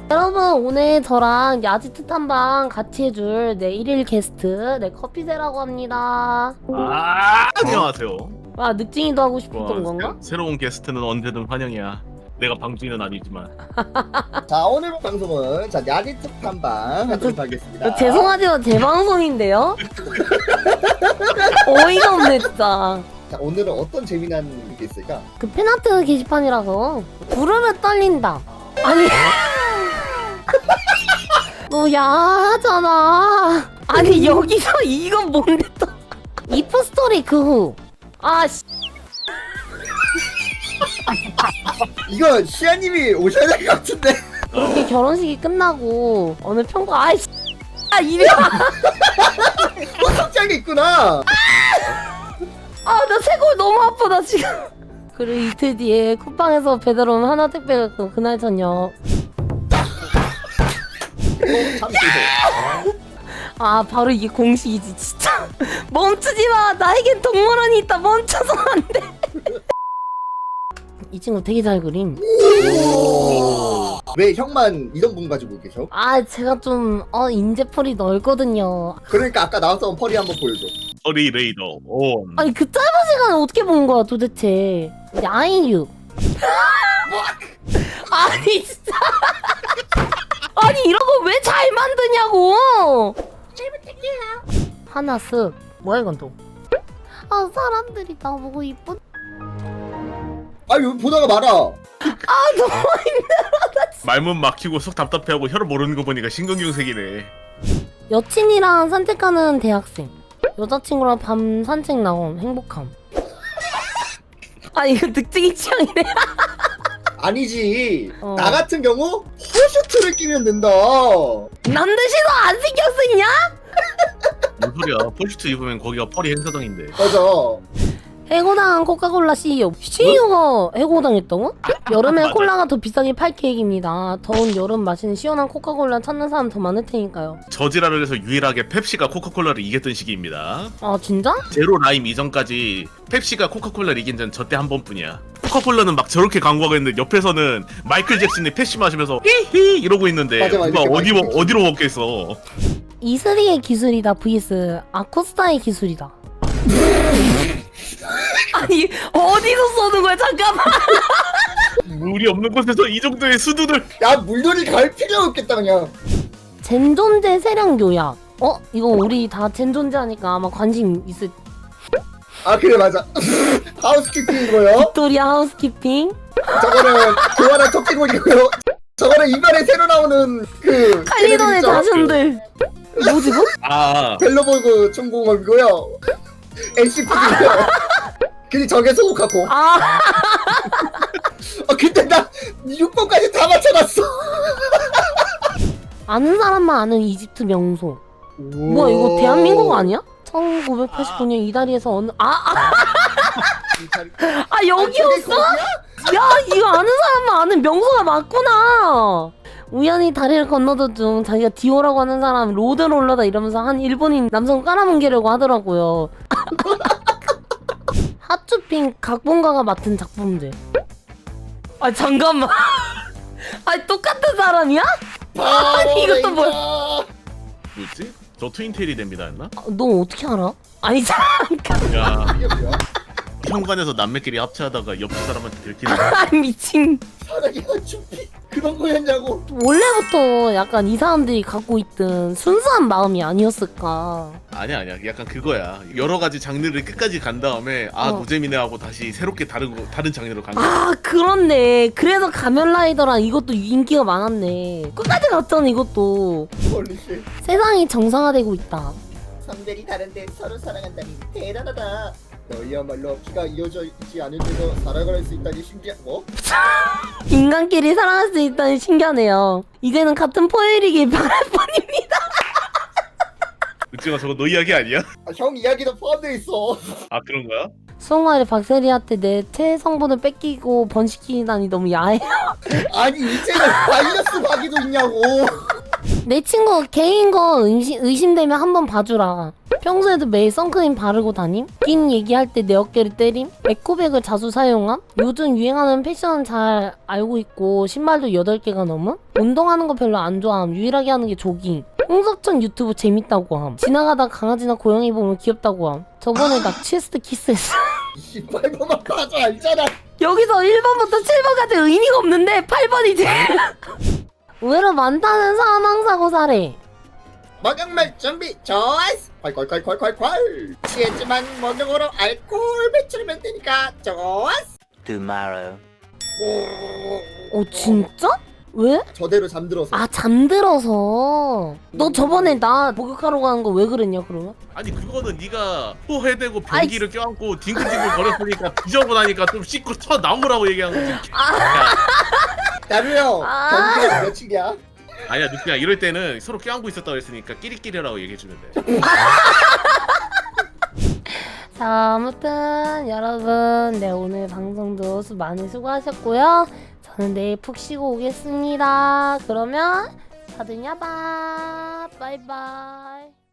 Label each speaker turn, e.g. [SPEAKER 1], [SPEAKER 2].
[SPEAKER 1] 여러분 오늘 저랑 야지트 탐방 같이 해줄 내 1일 게스트 커피새라고 합니다.
[SPEAKER 2] 안녕하세요.
[SPEAKER 1] 와 늑징이도 하고 싶었던 건가?
[SPEAKER 2] 새로운 게스트는 언제든 환영이야. 내가 방주인은 아니지만.
[SPEAKER 3] 자, 오늘 방송은 야지트 탐방 하도록 하겠습니다.
[SPEAKER 1] 죄송하지만 제 방송인데요? 어이가 없네 진짜.
[SPEAKER 3] 자, 오늘은 어떤 재미난 게 있을까?
[SPEAKER 1] 그 팬아트 게시판이라서 부르면 떨린다. 아니 너 야하잖아. 아니 여기서 이건 뭔데 또 이프 스토리 그 후. 아씨
[SPEAKER 3] 이거 시아님이 오셔야 될 것 같은데.
[SPEAKER 1] 이렇게 결혼식이 끝나고 어느 평가 아이씨 이래.
[SPEAKER 3] 소속장이 있구나.
[SPEAKER 1] 나 쇄골 너무 아프다 지금. 그리고 이틀 뒤에 쿠팡에서 배달 온 하나 택배가 그날 저녁.
[SPEAKER 3] 참 죄송.
[SPEAKER 1] 바로 이게 공식이지 진짜. 멈추지마. 나에겐 동물원이 있다. 멈춰서 안돼. 이 친구 되게 잘 그림.
[SPEAKER 3] 왜 형만 이런 분 가지고 계셔?
[SPEAKER 1] 제가 좀 인재풀이 넓거든요.
[SPEAKER 3] 그러니까 아까 나왔던 펄이 한번 보여줘.
[SPEAKER 2] 어리 레이더 온.
[SPEAKER 1] 아니 그 짧은 시간에 어떻게 본 거야 도대체. 야인유. 아니 진짜. 아니 이런 거 왜 잘 만드냐고. 잘 부탁해요. 하나 쓱. 뭐야 이건 또. 사람들이 나보고 이쁜.
[SPEAKER 3] 아유, 보다가 말아.
[SPEAKER 1] 너무 힘들어.
[SPEAKER 2] 말문 막히고 속 답답해하고 혀를 모르는 거 보니까 신경경색이네.
[SPEAKER 1] 여친이랑 산책하는 대학생. 여자친구랑 밤 산책 나온 행복함. 이거 늑증이 취향이네.
[SPEAKER 3] 아니지.
[SPEAKER 1] 어.
[SPEAKER 3] 나 같은 경우 허셔츠를 끼면 된다.
[SPEAKER 1] 남들 시도 안 신경 쓰냐?
[SPEAKER 2] 뭔 소리야? 폴슈트 입으면 거기가 펄이 행사장인데.
[SPEAKER 3] 맞아.
[SPEAKER 1] 해고당한 코카콜라 CEO가 해고당했다고? 여름에
[SPEAKER 2] 맞아.
[SPEAKER 1] 콜라가 더 비싸게 팔 계획입니다. 더운 여름 마시는 시원한 코카콜라 찾는 사람 더 많을 테니까요.
[SPEAKER 2] 저지랄을 해서 유일하게 펩시가 코카콜라를 이겼던 시기입니다.
[SPEAKER 1] 진짜?
[SPEAKER 2] 제로 라임 이전까지 펩시가 코카콜라를 이긴 전 저때 한 번뿐이야. 코카콜라는 막 저렇게 광고하고 있는데 옆에서는 마이클 잭슨이 펩시 마시면서 히히 이러고 있는데
[SPEAKER 3] 맞아,
[SPEAKER 2] 누가
[SPEAKER 3] 이렇게
[SPEAKER 2] 어디로 먹겠어.
[SPEAKER 1] 이슬이의 기술이다 vs 아코스타의 기술이다. 아니 어디서 쏘는 거야 잠깐만.
[SPEAKER 2] 물이 없는 곳에서 이 정도의 수두들.
[SPEAKER 3] 야, 물놀이 갈 필요 없겠다 그냥.
[SPEAKER 1] 젠존제 세량 요약. 이거 우리 다 젠존제 하니까 아마 관심 있을.
[SPEAKER 3] 아, 그래 맞아. 하우스키핑이고요.
[SPEAKER 1] 빅토리아 하우스키핑.
[SPEAKER 3] 저거는 교환한 토끼고이고요. 저거는 이번에 새로 나오는 그
[SPEAKER 1] 칼리돈의 자신들. 뭐지 뭐?
[SPEAKER 3] 벨로보그 총공업이고요. NCP고요. 근데 저게 소고카고. 근데 나 6번까지 다 맞춰놨어.
[SPEAKER 1] 아는 사람만 아는 이집트 명소. 뭐야 이거 대한민국 아니야? 1989년 이다리에서 어느 여기였어? 야 이거 아는 사람만 아는 명소가 맞구나. 우연히 다리를 건너던 중 자기가 디오라고 하는 사람 로드롤러다 이러면서 한 일본인 남성 깔아뭉개려고 하더라고요. 하츄핑 각본가가 맡은 작품들. 잠깐만. 똑같은 사람이야? 아니 이것도 뭐야?
[SPEAKER 2] 뭐지? 저 트윈테일이 됩니다 했나?
[SPEAKER 1] 너 어떻게 알아? 아니 잠깐.
[SPEAKER 2] 야
[SPEAKER 3] 이게 뭐야?
[SPEAKER 2] 현관에서 남매끼리 합체하다가 옆 사람한테 들키는.
[SPEAKER 1] 미친.
[SPEAKER 3] 사랑이 하츄피 그런 거였냐고.
[SPEAKER 1] 원래부터 약간 이 사람들이 갖고 있던 순수한 마음이 아니었을까.
[SPEAKER 2] 아니야 약간 그거야. 여러 가지 장르를 끝까지 간 다음에 노잼이네 하고 다시 새롭게 다른 장르로 간 거야.
[SPEAKER 1] 그렇네. 그래서 가면라이더랑 이것도 인기가 많았네. 끝까지 갔잖아 이것도.
[SPEAKER 3] 홀리쉣.
[SPEAKER 1] 세상이 정상화되고 있다.
[SPEAKER 3] 성별이 다른데 서로 사랑한다니 대단하다. 너희야말로 피가 이어져 있지 않은데도 사랑을 할 수 있다니 신기한 뭐?
[SPEAKER 1] 인간끼리 사랑할 수 있다니 신기하네요. 이제는 같은 포에릭이 바랄 뿐입니다.
[SPEAKER 2] 늑증아 저거 너 이야기 아니야?
[SPEAKER 3] 형 이야기도 포함되어 있어.
[SPEAKER 2] 그런 거야?
[SPEAKER 1] 수홍아리 박세리한테 내 체성분을 뺏기고 번식시키다니 너무 야해.
[SPEAKER 3] 아니 이제는 바이러스 박이도 있냐고.
[SPEAKER 1] 내 친구 개인 거 의심되면 한번 봐주라. 평소에도 매일 선크림 바르고 다님? 낀 얘기할 때 내 어깨를 때림? 에코백을 자주 사용함? 요즘 유행하는 패션은 잘 알고 있고 신발도 8개가 넘음? 운동하는 거 별로 안 좋아함. 유일하게 하는 게 조깅. 홍석천 유튜브 재밌다고 함. 지나가다 강아지나 고양이 보면 귀엽다고 함. 저번에 나 체스트 키스했어.
[SPEAKER 3] 이 8번만 봐도 알잖아.
[SPEAKER 1] 여기서 1번부터 7번까지 의미가 없는데 8번이지. 의외로 많다는 사망사고 사례.
[SPEAKER 3] 목욕말 준비 좋았어. 콸콸콸콸콸콸. 취했지만 목욕으로 알코올 배출하면 되니까 좋았어.
[SPEAKER 4] tomorrow.
[SPEAKER 1] 진짜? 왜?
[SPEAKER 3] 저대로 잠들어서.
[SPEAKER 1] 아 잠들어서. 너 저번에 나 목욕하러 가는 거 왜 그랬냐 그러면?
[SPEAKER 2] 아니 그거는 네가 코 해대고 변기를 껴안고 딩글딩글 거렸으니까 지저분하니까 좀 씻고 쳐 나오라고 얘기한 거지. 야,
[SPEAKER 3] 나루 형
[SPEAKER 1] 아.
[SPEAKER 3] 경기가 며칠이야?
[SPEAKER 2] 아니야 그냥 이럴 때는 서로 껴안고 있었다고 했으니까 끼리끼리라고 얘기해주면 돼.
[SPEAKER 1] 자 아무튼 여러분 네 오늘 방송도 많이 수고하셨고요. 저는 내일 푹 쉬고 오겠습니다. 그러면 다들 야바 바이바이.